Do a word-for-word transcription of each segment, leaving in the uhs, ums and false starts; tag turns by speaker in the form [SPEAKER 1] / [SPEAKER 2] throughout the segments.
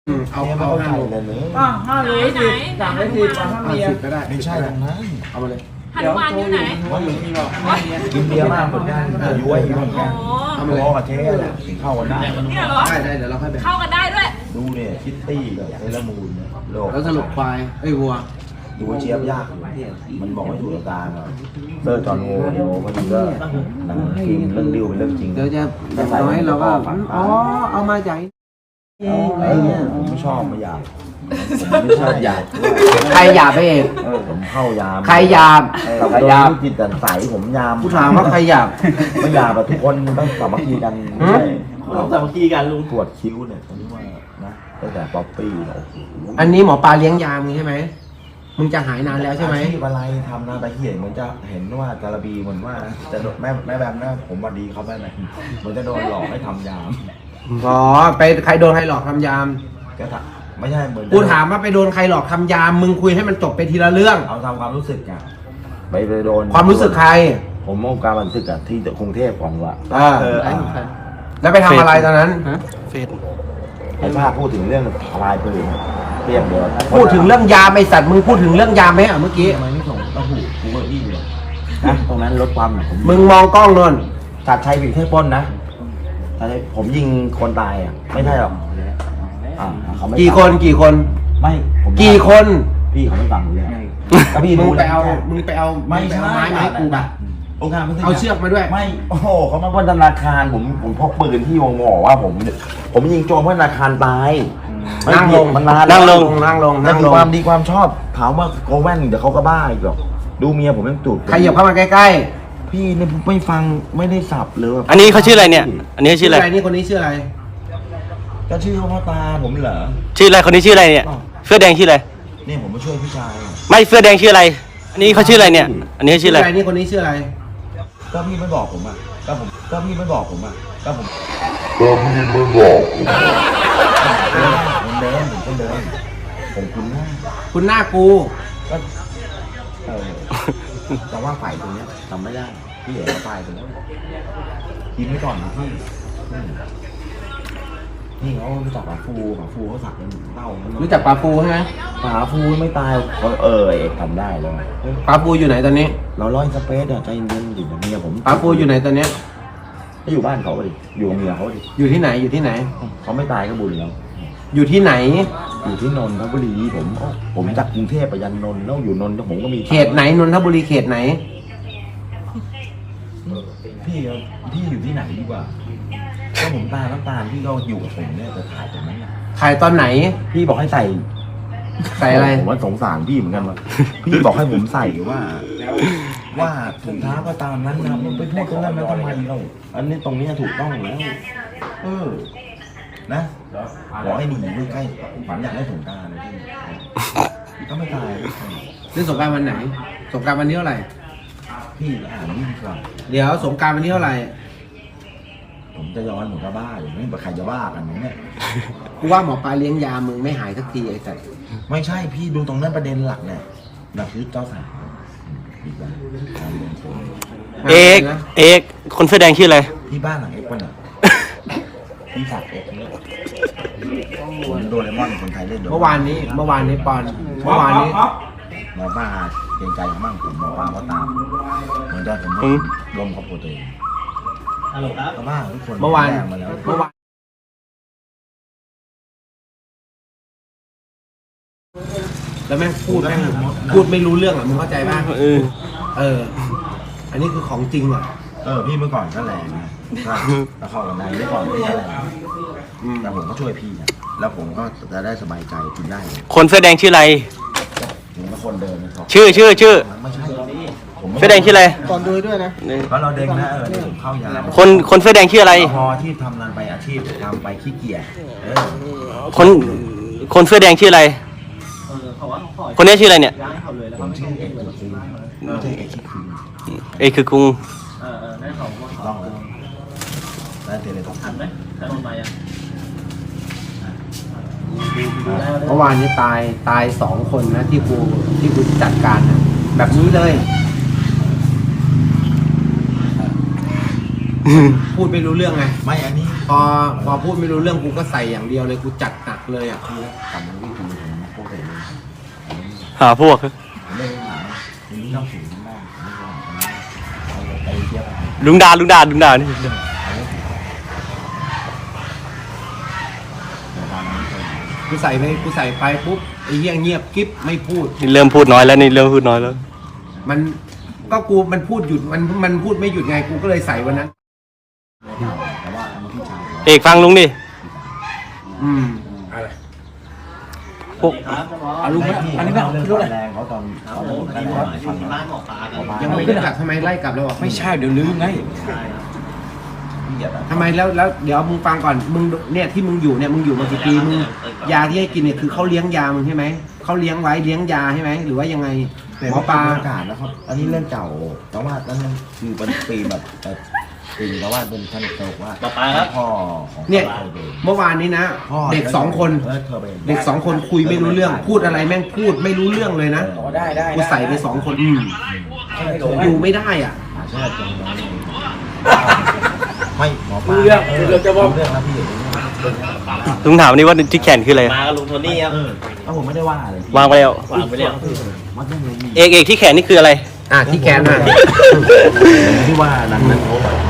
[SPEAKER 1] อืมเอาเอาห้าโล
[SPEAKER 2] เลยเลย
[SPEAKER 3] อ่ะห้าโลสิสั่งไปสิบสั่งห้า
[SPEAKER 1] ห้า
[SPEAKER 3] เมีย
[SPEAKER 1] สิบก็ได้
[SPEAKER 2] ไม่ใช่ตรงนั้น
[SPEAKER 1] เอามาเลย
[SPEAKER 4] หนุมานอยู่ไหน
[SPEAKER 3] ว่าหนูมีหรอกห้าเมีย
[SPEAKER 2] กินเบียร์มากเหมือนกันยุ้ยเหมือนกัน
[SPEAKER 4] โอ้
[SPEAKER 1] เอามาเลย
[SPEAKER 2] พ่อกับเจ๊แหละถึงเข้ากันได้
[SPEAKER 4] เนี่ยเหรอ
[SPEAKER 1] ได้ได้เดี๋ยวเราค่อยแบ่ง
[SPEAKER 4] เข้ากันได้ด้วย
[SPEAKER 2] ดูเนี่ยคิตตี้กับเซเลอร์มูนเนี่ยโลก
[SPEAKER 1] แล้วสรุปควายเอ้ยวัว
[SPEAKER 2] ดูเชียบยากอยู่มันบอกไม่ถูกหลักการอ่ะเซอร์จอห์นโฮโยมันก็หนังฟิล์มเรื่องดิวเป็นเรื่องจริง
[SPEAKER 1] เดี๋ยวจะอย่างน้อยเราก็อ๋อเอามาจากเองอะไรเงี้ย
[SPEAKER 2] ผมไม่ชอบไม่อยากผมไม่ชอบอยาก
[SPEAKER 1] ใครหยาบไปเอง
[SPEAKER 2] เออผมเข้ายาม
[SPEAKER 1] ใครหยาบ
[SPEAKER 2] กับ
[SPEAKER 1] ใคร
[SPEAKER 2] โด
[SPEAKER 1] หยาบ
[SPEAKER 2] นจิตแต่ใสผมยาม
[SPEAKER 1] กูถามว่าใครหยาบ
[SPEAKER 2] ไม่ยามแบบทุกคนต้องสามัคคีกันไม่ใช่
[SPEAKER 3] เราสามัคคีกันลุง
[SPEAKER 2] ปวดคิ้วเนี่ยตอนนี้ว่านะตั้งแต่ป๊อปปี้เนี่ยโอ้โห
[SPEAKER 1] อันนี้หมอปลาเลี้ยงยามึงใช่ไหมมึงจะหายนานแล้วใช่ไหม
[SPEAKER 2] อาชีพอะไรทำนะแต่เหียนเหมือนจะเห็นว่าจาระบีเหมือนว่าจะโดนแม่แม่แบบนะผมวันดีเขาไปไหมเหมือนจะโดนหลอกให้ทำยาม
[SPEAKER 1] อ๋อไปใครโดนใครหลอกทำยาม
[SPEAKER 2] ก็ถามไม่ใช่เหมือน
[SPEAKER 1] กูถามว่าไปโดนใครหลอกทำยามมึงคุยให้มันจบไปทีละเรื่อง
[SPEAKER 2] เอาทำความรู้สึกอะไปไปโดน
[SPEAKER 1] ความรู้สึกใคร
[SPEAKER 2] ผมมองการบันทึกอะที่กรุงเทพของว่า
[SPEAKER 1] อ่า
[SPEAKER 2] เออ
[SPEAKER 1] แล้วไปทำอะไรตอนนั้น
[SPEAKER 5] เฟซ
[SPEAKER 2] ไอ้ภาพพูดถึงเรื่องทลายปืนเรียบเดียว
[SPEAKER 1] พูดถึงเรื่องยามไอสัตว์มึงพูดถึงเรื่องยามไหมอ่ะเมื่อกี้
[SPEAKER 2] ทำไมไม่ส่งเต้าหู้กูก็อี้เลยนะตรงนั้นลดความหนักผม
[SPEAKER 1] มึงมองกล้องนน
[SPEAKER 2] ตัดชัยผิดแค่ปล้นนะตัดชัยผมยิงคนตายอ่ะไม่ใช่หรอกอ่าเขาไม่
[SPEAKER 1] กี่คนกี่คน
[SPEAKER 2] ไม่ผม
[SPEAKER 1] กี่คน
[SPEAKER 2] พี่เขาไม่ฟังเลยก็พี่
[SPEAKER 1] มึ
[SPEAKER 2] ดู
[SPEAKER 1] งไปเอามึงไปเอา
[SPEAKER 2] ไม่
[SPEAKER 1] งป
[SPEAKER 2] ใช่
[SPEAKER 1] เอาไม้มาให้กูปะ
[SPEAKER 2] องค์การไม่ใช่
[SPEAKER 1] เอาเชือกมาด้วย
[SPEAKER 2] ไม่โอ้โหเขามาปล้นธนาคารผมผมพกปืนที่วงหมอว่าผม ผมยิงโจรเพราะธนาคารตาย
[SPEAKER 1] นั่งลง
[SPEAKER 2] มันนาน
[SPEAKER 1] นั่งลง
[SPEAKER 2] แว
[SPEAKER 1] นั่งลง
[SPEAKER 2] นั่
[SPEAKER 1] นั่
[SPEAKER 2] ง
[SPEAKER 1] ง
[SPEAKER 2] ล
[SPEAKER 1] ล
[SPEAKER 2] ง
[SPEAKER 1] ง
[SPEAKER 2] ความดีความชอบถามว่าโกแว่นเดี๋ยวเขาก็บ้าอีกหรอกดูเมียผมยังจุด
[SPEAKER 1] ใครเหยียบเข้ามาใกล้
[SPEAKER 2] พี่เนี่ยไม่ฟังไม่ได้สับเลยแบบ
[SPEAKER 5] อันนี้เขาชื่ออะไรเนี่ย อันนี้
[SPEAKER 1] ๆ
[SPEAKER 5] ชื่ออะไร
[SPEAKER 1] นี่คนนี้ชื่ออะไร
[SPEAKER 2] ก็ชื่อเขาพ่อตาผมเหรอ
[SPEAKER 5] ชื่ออะไร คนนี้ชื่ออะไรเนี่ย เสื้อแดงชื่ออะไร
[SPEAKER 2] นี่ผมมาช่วยพี่ชาย
[SPEAKER 5] ไม่เสื้อแดงชื่ออะไร อันนี้เขาชื่ออะไรเนี่ย อันนี้ชื่ออะไร
[SPEAKER 1] นี่คนนี้ชื่ออะไร
[SPEAKER 2] ก็พี่ไม่บอกผมอ่ะก็ผมก็พี่ไม่บอกผมอ่ะก็ผม
[SPEAKER 6] ก็พี่ไม่บอกผม
[SPEAKER 2] ผมเดินผมก็เดินผมคุ้นหน้า
[SPEAKER 1] คุณหน้ากู
[SPEAKER 2] ก็เออแต่ว่าฝ่ายตรงเนี้ยจำไม่ได้พี่เอ๋ฝ่ายตรงนี้กินไว้ก่อนนะพี่อืมนี่เขารู้จักปลาฟูปลาฟูเขาสักเป็นเต้ามัน
[SPEAKER 1] รู้จักปลาปูใช่ไหม
[SPEAKER 2] ปลาฟูไม่ตายเขาเออเอกทำได้เลย
[SPEAKER 1] ปลาปูอยู่ไหนตอนนี้
[SPEAKER 2] เราร้อยสเปซอะใจเย็นๆดิเมียผม
[SPEAKER 1] ปลาปูอยู่ไหนตอนนี้
[SPEAKER 2] ก็อยู่บ้านเขาดิอยู่กับเมียเขาดิ
[SPEAKER 1] อยู่ที่ไหนอยู่ที่ไหน
[SPEAKER 2] เขาไม่ตายก็บุญแล้ว
[SPEAKER 1] อยู่ที่ไหน
[SPEAKER 2] อยู่ที่นนทบุรีผมผมจากกรุงเทพไปยันนนท์แล้วอยู่นนท์ผมก็มี
[SPEAKER 1] เขตไหนนนทบุรีเขตไหน
[SPEAKER 2] พี่เอาพี่อยู่ที่ไหนดีกว่าก็ผมตาน้ำตาลพี่ก็อยู่กับผมเนี่ยจะถ่ายตรงนั้นน่ะ
[SPEAKER 1] ถ่ายตอนไหน
[SPEAKER 2] พี่บอกให้ใส่
[SPEAKER 1] ใส่อะไร
[SPEAKER 2] ผมว่าสงสารพี่เหมือนกันว่ะพี่บอกให้ผมใส่ว่า ว่าถุงเท้าก็ตามนั้นนะมันไปพูดตรงนั้นมันทำไมเราอันนี้ตรงนี้ถูกต้องแล้วเออนะบอกให้หนีไม่ใกล้ผมอยากได้สงกรารพี่ก็ไม่ตาย
[SPEAKER 1] เล่นสงกรารวันไหน สงกรารวันนี้เท่าไหร่
[SPEAKER 2] พี่อ่านนี่ดีกว่า
[SPEAKER 1] เดี๋ยวสงกรารวันนี้เท่าไหร่
[SPEAKER 2] ผมจะย้อนผมก็บ้าอยู่ไม่ใครจะบ้ากันเนี่ย
[SPEAKER 1] กูว่าหมอปลาเลี้ยงยามึงไม่หายสักทีไอ้สัตว์
[SPEAKER 2] ไม่ใช่พี่ดูตรงนั้นประเด็นหลักเนี่ยหลักคือเจ้าสาวอีกแล้วการลงทุน
[SPEAKER 5] เอก เอก คนเสื้อแดงชื่ออะไร
[SPEAKER 2] ที่บ้านหลังเอ็กซ์ป่ะเนี่ยพี่สักเอ็กซ์เนี่ยผมโดเรมอนคนไทยเล่นโดเรม
[SPEAKER 1] เมื่อวานนี้ เมื่อวานนี้ปอน เมื่อวานนี้
[SPEAKER 2] หมอป้าเกรงใจมั่งผมหมอป้าก็ตามเหมือนจะผม
[SPEAKER 5] อืม
[SPEAKER 2] รวมครอบครัวตัวเอง
[SPEAKER 3] ฮัลโหลครับ
[SPEAKER 2] แต่ว่าทุกคน
[SPEAKER 1] เมื่อวาน
[SPEAKER 2] แรงมาแล้ว
[SPEAKER 1] เมื่อวาน แล้วแม่งพูดแม่งพูดไม่รู้เรื่องอ่ะมึงเข้าใจป่ะ
[SPEAKER 5] เออ
[SPEAKER 1] เออ อันนี้คือของจริงอ่ะ
[SPEAKER 2] เออพี่เมื่อก่อนก็แรงนะถ้าถ้าเข้ากันในเมื่อก่อนพี่ก็แรง
[SPEAKER 1] อืม
[SPEAKER 2] แต่ผมก็ช่วยพี่นะแล้วผมก็จะได้สบายใจกินได้เลย
[SPEAKER 5] คนเสื้อแดงชื่ออะไร
[SPEAKER 2] ผมก็คนเดินนะครับ
[SPEAKER 5] ชื่อชื่อชื่อ
[SPEAKER 2] ไม่ใช่ผมไม่
[SPEAKER 5] เสื้อแดงชื่ออะไร
[SPEAKER 1] ก่อนดูด้วยนะ
[SPEAKER 2] เพราะเราเด็กนะเออผมเข้ายาม
[SPEAKER 5] คน คนเสื้อแดงชื่ออะไร
[SPEAKER 2] พอที่ทำงานไปอาชีพทำไปขี้เกียจเออ
[SPEAKER 5] คน คนเสื้อแดงชื่ออะไร
[SPEAKER 3] เออเขาว่าเขาขอ
[SPEAKER 5] คนนี้ชื่ออะไรเนี่ย
[SPEAKER 3] ย้ายเขาเลยแล้ว
[SPEAKER 2] ผมชื่อเอกจุดซีไม่ใช่เอกขี้คืน
[SPEAKER 5] เอกคือกุง
[SPEAKER 3] เออเออนั่นเขาว่า
[SPEAKER 2] ถูกต้องแล้วแล้วเทเลทอป
[SPEAKER 3] ทันไหมทันลงมายัง
[SPEAKER 1] เมื่อวานนี้ตายตายสองคนนะที่กูที่กูจัดการนะแบบนี้เลย พูดไม่รู้เรื่องไง
[SPEAKER 2] ไม่อันนี้
[SPEAKER 1] พอพอพูดไม่รู้เรื่องกูก็ใส่อย่างเดียวเลยกูจัดหนักเลยอ่ะ
[SPEAKER 2] คือกลับมาที่คือผมพวกเอง
[SPEAKER 5] หาพวก
[SPEAKER 2] ผมไม่ได้หาผมนี่ต้องถึงบ้านผมไม่ว่าเอาไปเทียบกัน
[SPEAKER 5] ลุงดาลุงดาลุงดานี่
[SPEAKER 1] กูใส่ไปกูใส่ไปปุ๊บไอ้เหี้ยเงียบกิ๊บไม่พูด
[SPEAKER 5] นี่เริ่มพูดน้อยแล้วนี่เริ่มพูดน้อยแล้ว
[SPEAKER 1] มันก็กูมันพูดหยุดมันมันพูดไม่หยุดไงกูก็เลยใส่วันนั้น
[SPEAKER 2] แต่ว่ามันพี่ชาย
[SPEAKER 5] เอกฟังลุงดิ
[SPEAKER 1] อืม
[SPEAKER 5] พวก
[SPEAKER 3] ครับจะบอก
[SPEAKER 2] อันนี้ไม่อันนี้ไม่เอารู้เลยแรงเขาตอน
[SPEAKER 3] ครับ
[SPEAKER 2] เขา
[SPEAKER 3] ผม
[SPEAKER 2] ตอน
[SPEAKER 3] ที่
[SPEAKER 2] แร
[SPEAKER 3] บอก
[SPEAKER 2] ก
[SPEAKER 3] ที่
[SPEAKER 2] ฟัง
[SPEAKER 3] บ้านหมอปลากัน
[SPEAKER 1] ยังไม่ได้กลับทำไมไล่กลับแล้วอ่ะ
[SPEAKER 4] ไม่ใช่เดี๋ยวลืมไง
[SPEAKER 3] ใช่ครับ
[SPEAKER 2] พี่เหยียดอะ
[SPEAKER 1] ทำไมแล้วแล้วเดี๋ยวมึงฟังก่อนมึงเนี่ยที่มึงอยู่เนี่ยมึงอยู่มากี่ปีมึงยาที่ให้กินเนี่ยคือเขาเลี้ยงยามึงใช่ไหมเขาเลี้ยงไว้เลี้ยงยาใช่ไหมหรือว่ายังไง
[SPEAKER 2] แต่
[SPEAKER 1] หมอ
[SPEAKER 2] ว่า
[SPEAKER 1] ป
[SPEAKER 2] ป
[SPEAKER 1] ลา
[SPEAKER 2] ลาอากาศนะครับ อันนี้เรื่องเก่า แต่ว่านั่นมันคือเป็นปีแบบแบบปีแต่ว่าเป็นท่านเกิดว่า
[SPEAKER 3] หมอปลาครับ
[SPEAKER 2] พ่อของ
[SPEAKER 1] เนี่ย
[SPEAKER 2] พ่อเด็ก
[SPEAKER 1] เมื่อวานนี้นะ
[SPEAKER 2] พ่อ
[SPEAKER 1] เด็กสองคน
[SPEAKER 2] เออเธอไป
[SPEAKER 1] เด็กสองคนคุยไม่รู้เรื่อง พูดอะไรแม่งพูดไม่รู้เรื่องเลยนะ
[SPEAKER 4] อ๋อได้ได้
[SPEAKER 1] กูใส่ไปสองคนอืม
[SPEAKER 4] ไม่หลง
[SPEAKER 1] อยู่ไม่ได้อ่ะ
[SPEAKER 2] หาเชื่อจังเลยไม่หมอปลา
[SPEAKER 4] เรื่องเรื่องจะบอก
[SPEAKER 2] เรื่องนะพี่
[SPEAKER 5] ลุงถามนี่ว่าที่แขนคืออะไร
[SPEAKER 3] มากับลุงโทนี่ครับ
[SPEAKER 2] เออแล้วผมไม่ได้ว่าอะไรพี่
[SPEAKER 5] วางไปแล้ว
[SPEAKER 3] วางไปแล้ว
[SPEAKER 2] มันต้องเลยมี
[SPEAKER 5] เอกเอกที่แขนนี่คืออะไร
[SPEAKER 1] อ่ะที่แขนอ่ะ
[SPEAKER 2] ที่ว่านั้นนั้นเขาแบบ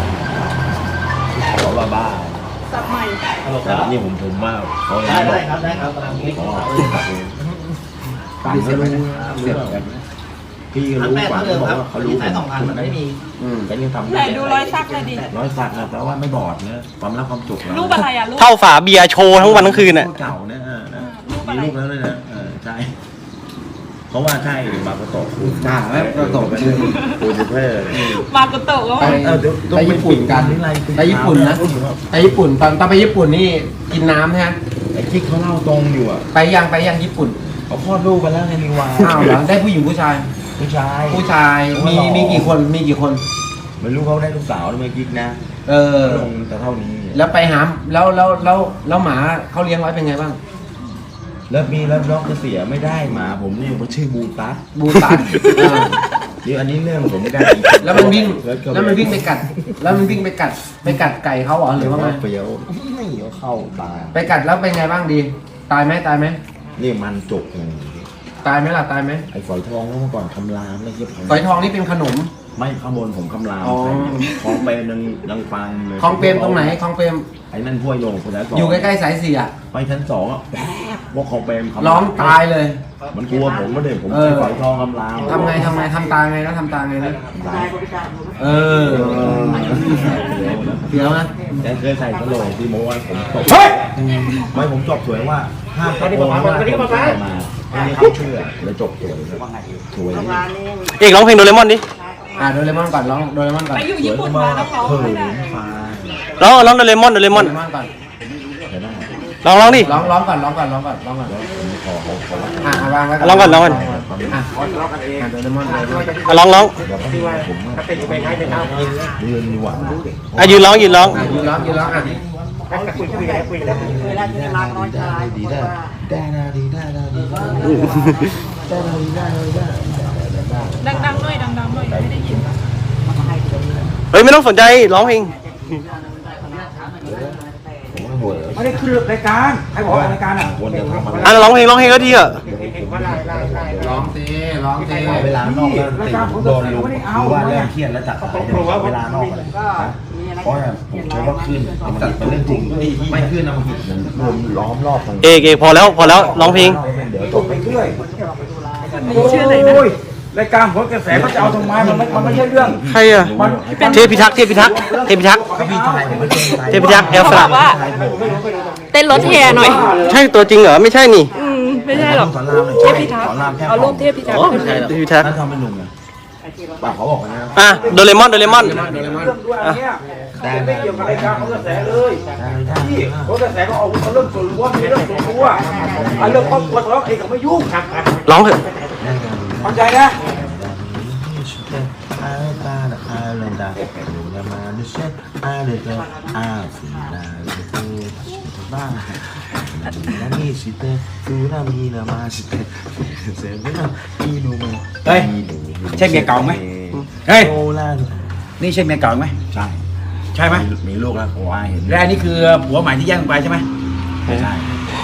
[SPEAKER 2] เขาบ้าบ้า
[SPEAKER 7] สับใหม่
[SPEAKER 3] ฮัลโหลค
[SPEAKER 2] แต่
[SPEAKER 3] รับ
[SPEAKER 2] นี่ผมผมว่าเขา
[SPEAKER 3] ได้ได้ครับได้ครับกำลังคิด
[SPEAKER 2] เขา
[SPEAKER 3] ครับ
[SPEAKER 2] ต่างกันเสียบกันพี่ก็
[SPEAKER 3] ทั้ง
[SPEAKER 2] รู้
[SPEAKER 3] แม่
[SPEAKER 2] กว่า
[SPEAKER 3] ทั้งเดิ
[SPEAKER 2] เขา
[SPEAKER 3] ม
[SPEAKER 2] บอก
[SPEAKER 3] ครับ
[SPEAKER 2] ว่าเขารู้
[SPEAKER 3] ที่ใส่สองพันมันไม่มี
[SPEAKER 1] อืม
[SPEAKER 2] แต่ยังทำ
[SPEAKER 7] ไหนดูรอยสักเลยดิ
[SPEAKER 2] ร้อยสักนะแต่ว่าไม่บอดนะความรักความจุก
[SPEAKER 7] รูปอะไรอ่ะรูป
[SPEAKER 5] เท่าฝาเบียร์โชว์ทั้งวันทั้งคืนน่ะ
[SPEAKER 2] เก่าเนี่ยมี
[SPEAKER 7] รูปอะไร
[SPEAKER 2] ลูกแล้วเลยนะเออใช่เพราะว่าใช่มาประตก
[SPEAKER 1] อ่าแล้วประตกชื่อ
[SPEAKER 2] ปูนเพื่อ
[SPEAKER 7] มากุโตะก็
[SPEAKER 1] ไป
[SPEAKER 7] มา
[SPEAKER 1] ไปญี่ปุ่นกันไปญี่ปุ่นนะไปญี่ปุ่นตอนตอนไปญี่ปุ่นนี่กินน้ำใช่ไหม
[SPEAKER 2] ไอ้ที่เขาเล่าตรงอยู่อ่ะ
[SPEAKER 1] ไปยังไปยังญี่ปุ่น
[SPEAKER 2] เขาคลอดลูกไปแล้วไงนิวา
[SPEAKER 1] อ้าวเหรอได้ผู้หญิงผู้ชาย
[SPEAKER 2] ผู้ชาย
[SPEAKER 1] ผู้ชายมีมีกี่คนมีกี่คน
[SPEAKER 2] ไม่รู้เขาได้ลูกสาวหรือไม่กิ๊กนะ
[SPEAKER 1] เออ
[SPEAKER 2] ลงแต่เท่านี้
[SPEAKER 1] แล้วไปหาแล้วแล้วแล้วแล้วหมาเขาเลี้ยงไว้เป็นไงบ้าง
[SPEAKER 2] แล้วมีแล้วน้องจะเสียไม่ได้หมาผมนี่มันชื่อบูตัส
[SPEAKER 1] บูตัสเออ
[SPEAKER 2] เดี๋ยวอันนี้เรื่องผมไม่ได้
[SPEAKER 1] แล้วมันวิ่งแล้วมันวิ่งไปกัด แล้วมันวิ่งไปกัดไปกัดไก่เขาเหรอหรือว่าไง
[SPEAKER 2] เปรี้ยวไม่เอาเข้าตา
[SPEAKER 1] ไปกัดแล้วเป็นไงบ้างดี ตายไหมตายไหม
[SPEAKER 2] นี่มันจกไง
[SPEAKER 1] ตายไหมล่ะตายไหม
[SPEAKER 2] ไอ้ฝอยทองเมื่อก่อนคำรามไม่ใช่ผม
[SPEAKER 1] ฝอยทองนี่เป็นขนม
[SPEAKER 2] ไม่ข้างบนผมคำราม
[SPEAKER 1] อ๋อ
[SPEAKER 2] ของเปรมยังยังฟังเลย
[SPEAKER 1] คลองเปรมตรงไหนคลองเปรม
[SPEAKER 2] ไอ้นั่นห้วยโยงคนนั้น
[SPEAKER 1] อยู่ใกล้ๆสายเสีย
[SPEAKER 2] ไปชั้นสองอ่ะแป๊บว่าของเปรมคำราม
[SPEAKER 1] ร้องตายเลย
[SPEAKER 2] มันกลัวผมก็เด็กผม
[SPEAKER 1] เออ
[SPEAKER 2] ใช้ฝอยทองคำราม
[SPEAKER 1] ทำไงทำไงทำตาไงแล้วทำตาไงนะ
[SPEAKER 2] ตาย
[SPEAKER 1] เออเดี๋ยวนะ
[SPEAKER 2] แต่เคยใส่ตลกที่โม้ว่าผมตบไม่ผมจบสวยว่าห้ามตะโกนว่าผมใส่มาอันนี้เขาเชื่อเลยจบสวยสวย
[SPEAKER 5] เอกร้องเพลงโดเรมอนดิ
[SPEAKER 1] อ่ะโดเรมอนก่อนร้องโดเรมอนก่อน
[SPEAKER 7] ไปอยู่ญี่ปุ่นมาแล้วเขา
[SPEAKER 2] เพิ่
[SPEAKER 7] ไม่
[SPEAKER 2] ม
[SPEAKER 7] ได้
[SPEAKER 2] ฟ้า
[SPEAKER 5] ร้องร้องโดเรมอนโดเรมอน
[SPEAKER 1] โดเรมอนก่อน
[SPEAKER 2] เห็นไหม
[SPEAKER 5] ร้องร้องดิ
[SPEAKER 1] ร้องร้องก่อนร้องก่อนร้องก่อนร้องก่อน
[SPEAKER 2] ผมขอเขาเขา
[SPEAKER 1] อ่ะอ่ะวางไว้
[SPEAKER 5] ร้องก่อนร้องก่อน
[SPEAKER 1] อ่ะอ่ะโดเรมอนโดเรมอน
[SPEAKER 5] อ่ะร้องร้อง
[SPEAKER 2] เดี๋ยวผมผมเรียนดีกว่า
[SPEAKER 5] อ่ะยืนร้องยืนร้อง
[SPEAKER 1] อ่ะยืนร้องยืนร้องอ่ะ
[SPEAKER 7] เวลาจะรักน้อยชาย
[SPEAKER 2] ดีได้ได้ได้ดีได้ได้ดีได้ได้ได้ได้
[SPEAKER 7] ดังๆหน่อยดังๆหน่อยไม่ได้ยิน
[SPEAKER 5] เฮ้ยไม่ต้องสนใจร้องเพลง
[SPEAKER 2] ผมว่าหัว
[SPEAKER 4] ไม่ได้ขึ้นรายการใครบอกรายการอ่ะ
[SPEAKER 2] วนจะทำอะไร
[SPEAKER 5] อ่ะร้องเพลงร้องเพลงก็ดีอ่ะ
[SPEAKER 1] ร้องสิร้องสิ
[SPEAKER 2] เวลานอกแล้วติดโดนลุงรู้ว่าเรื่องเครียดแล้วจัดสายเวลานอกอะไรเพราะผมคิดว่าขึ้นมันเป็นเรื่องจริงไม่ขึ้นนะมันรวมล้อมรอบตรง
[SPEAKER 5] เอกเอกพอแล้วพอแล้วร้องเพลง
[SPEAKER 2] เดี๋ยวจบ
[SPEAKER 4] ไปเรื่อยโอ้ยรายการผลกระแสเขาจะเอาทำไมมันไม่มันไม่ใช่เรื่อง
[SPEAKER 5] ใครอ่ะเทพิทักษ์เทพิทักษ์เทพิทักษ์
[SPEAKER 2] ก็พี่ชายผมไม่ใช่
[SPEAKER 5] เทพิทักษ์แอลสลับ
[SPEAKER 7] เต้นรถแห่หน่อย
[SPEAKER 5] ใช่ตัวจริงเหรอไม่ใช่นี่
[SPEAKER 7] อืมไม่ใช่หรอก
[SPEAKER 2] สอนรามเลย
[SPEAKER 7] เทพิทักษ์เอารูปเทพิทักษ์ขึ้นมา
[SPEAKER 5] เทพิทักษ์
[SPEAKER 2] นั่นทำเป็นหนุ่มไงปากเขาบอกนะ
[SPEAKER 5] อ่ะโดเรมอนโดเรมอน
[SPEAKER 1] โดเรมอน
[SPEAKER 4] เรื่องด้วยอันเนี้ยไม่เกี่ยวกับรายการผลกระแสเลยที่ผลกระแสก็เอาเรื่องส่วนรวมมีเรื่องส่วนตัวอันเรื่องครอบครัวทะเลาะเองก็ไม่ยุ่ง
[SPEAKER 5] ร้องเถอะ
[SPEAKER 4] เข้าใจนะ
[SPEAKER 2] เฮ้ย
[SPEAKER 4] ใช่เมียเก่าไหมเฮ้ยนี่ใช่เมียเก่าไหม
[SPEAKER 2] ใช่
[SPEAKER 4] ใช่ไหม
[SPEAKER 2] มีลูกแล้วผมว่าเห็น
[SPEAKER 4] และอันนี้คือผัวใหม่ที่แย่งไปใช่ไหม
[SPEAKER 2] ไม่ใช่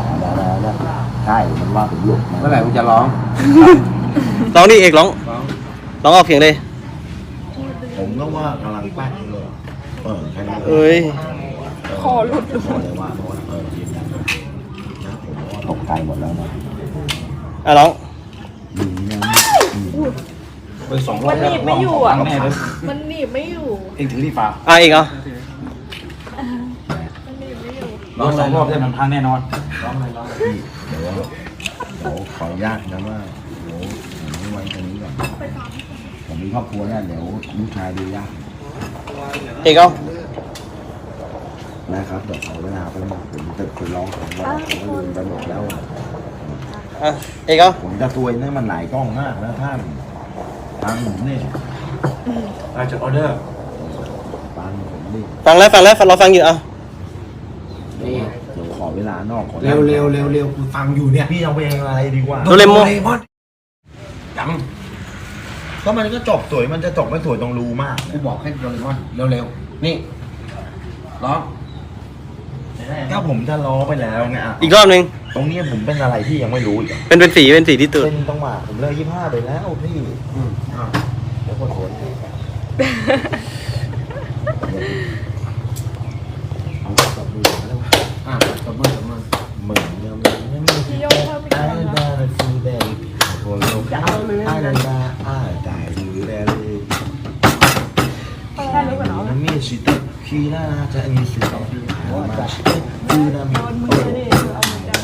[SPEAKER 2] ดาดาดาใช่มันว่าผมหลุด
[SPEAKER 1] เมื่อไหร่มึงจะร้อง
[SPEAKER 5] ร้องดิเอกร้องร้องออกเสียงเลย
[SPEAKER 2] ผมก็ว่ากำลังปั้นเลยเออแค่นั้น
[SPEAKER 5] เอ้ย
[SPEAKER 7] คอหลุด
[SPEAKER 2] ผมเลยว่าเพราะว่าเออยืนยันนะผมว่าตกใจหมดแล้วนะ
[SPEAKER 5] อ่ะร้อง
[SPEAKER 2] ดีนะ
[SPEAKER 4] ไปสองรอ
[SPEAKER 7] มั
[SPEAKER 4] บ
[SPEAKER 7] นห
[SPEAKER 4] แล้ว
[SPEAKER 7] นีบไม่อยู่อ่ะ
[SPEAKER 4] แน่เลย
[SPEAKER 7] มันหนีบไม่อยู่
[SPEAKER 4] เองถือที่ฟ้า
[SPEAKER 5] อ่ะเอกเอา
[SPEAKER 7] มันหนีบไม่อยู่
[SPEAKER 4] ร้องสองรอบได้มันพังแน่นอน
[SPEAKER 2] พี่เดี๋ยวเดี๋ยวขออนุญาตนะว่าเดี๋ยวผมไม่ไว้ตรงนี้ก่อนผมมีครอบครัวแล้วเดี๋ยวลูกชายดูยาก
[SPEAKER 5] เอกเอา
[SPEAKER 2] นะครับเดี๋ยวขอเวลาไปหมดผมจะคุยร้องของว่าผมก็ลืมไปหมดแล้ว
[SPEAKER 5] อ่ะเอกเอา
[SPEAKER 2] ผมจะซวยเนี่ยมันหลายกล้องมากนะท่านทางผมเนี่ย
[SPEAKER 4] อาจจะออเดอร์
[SPEAKER 2] ฟังผมดิ
[SPEAKER 5] ฟังแล้วฟังแล้วเราฟังอยู่อ่ะ
[SPEAKER 1] นี่
[SPEAKER 2] เดี๋ยวขอเวลานอกขอ
[SPEAKER 1] เร็วเร็วเร็วเร็วกูฟังอยู่เนี่ย
[SPEAKER 2] พี่เอาเพลงอะไรดีกว่า
[SPEAKER 5] โดเรมอน
[SPEAKER 1] จัง
[SPEAKER 2] ก็มันก็จบสวยมันจะจบไม่สวยตรงรูมาก
[SPEAKER 1] กูบอกให้โดเรมอนเร็วเร็วนี่ร้อง
[SPEAKER 2] ก็ผมจะล้อไปแล้วไงอ่ะ
[SPEAKER 5] อีกรอบหนึ่ง
[SPEAKER 2] ตรงเนี้ยผมเป็นอะไรที่ยังไม่รู้อีกอะ
[SPEAKER 5] เป็นเป็นสีเป็นสีที่ตื่น
[SPEAKER 2] เป็นจังหวะผมเลยยี่ห้าไปแล้วพี่
[SPEAKER 1] อืมอ่ะ
[SPEAKER 2] เดี๋ยวคนโอนเอาจับมือแล้ว
[SPEAKER 1] อ่ะตบมือตบมือ
[SPEAKER 2] มึงยังไม่ยังไม่
[SPEAKER 7] พี่โยกเข้าไป
[SPEAKER 2] ไอ้
[SPEAKER 7] ก่อนนะ
[SPEAKER 2] ดาฟูเดลิโคโลไอ้ดาดาไอ้ดาฟูเดลิ
[SPEAKER 7] ใช่รู้ก่อนเนาะ
[SPEAKER 2] มันมีสิทธิ์คีน่าจะมีสิทธิ์มาชิคูนามิ
[SPEAKER 7] โดนมือเลยเอามือจับ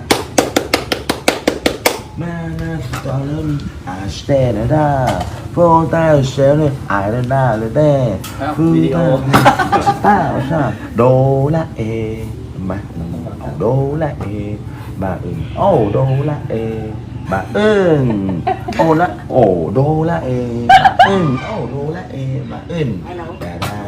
[SPEAKER 2] มานาสตอร์ลอาสเตนดาโฟตาเซลไอเดนาเลเดฟูตาตาชาโดละเอมาโดละเอบาอึนโอ้โดละเอบาอึนโอละโอโดละเอบาอึนโอ้โดละเอบาอึนดาดา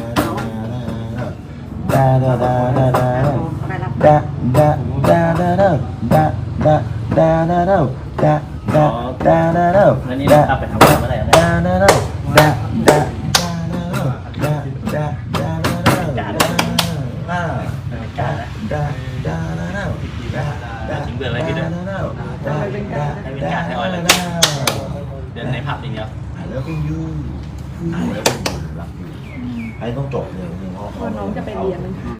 [SPEAKER 2] ดาดาดาดาดาดาดาดาดาดาดาดา da da da da da da da da
[SPEAKER 3] แล้วนี่เอาไปทำอะไรเมื่อไหร่นะ
[SPEAKER 2] da da da da da da da da da da da da da da da
[SPEAKER 3] ทิ้งเบื่อไว้พี่เดิน เดินในผับอย่างเดียว
[SPEAKER 2] I love you I love you ไอ้ต้องจบเลย
[SPEAKER 7] น้องจะไปเรียน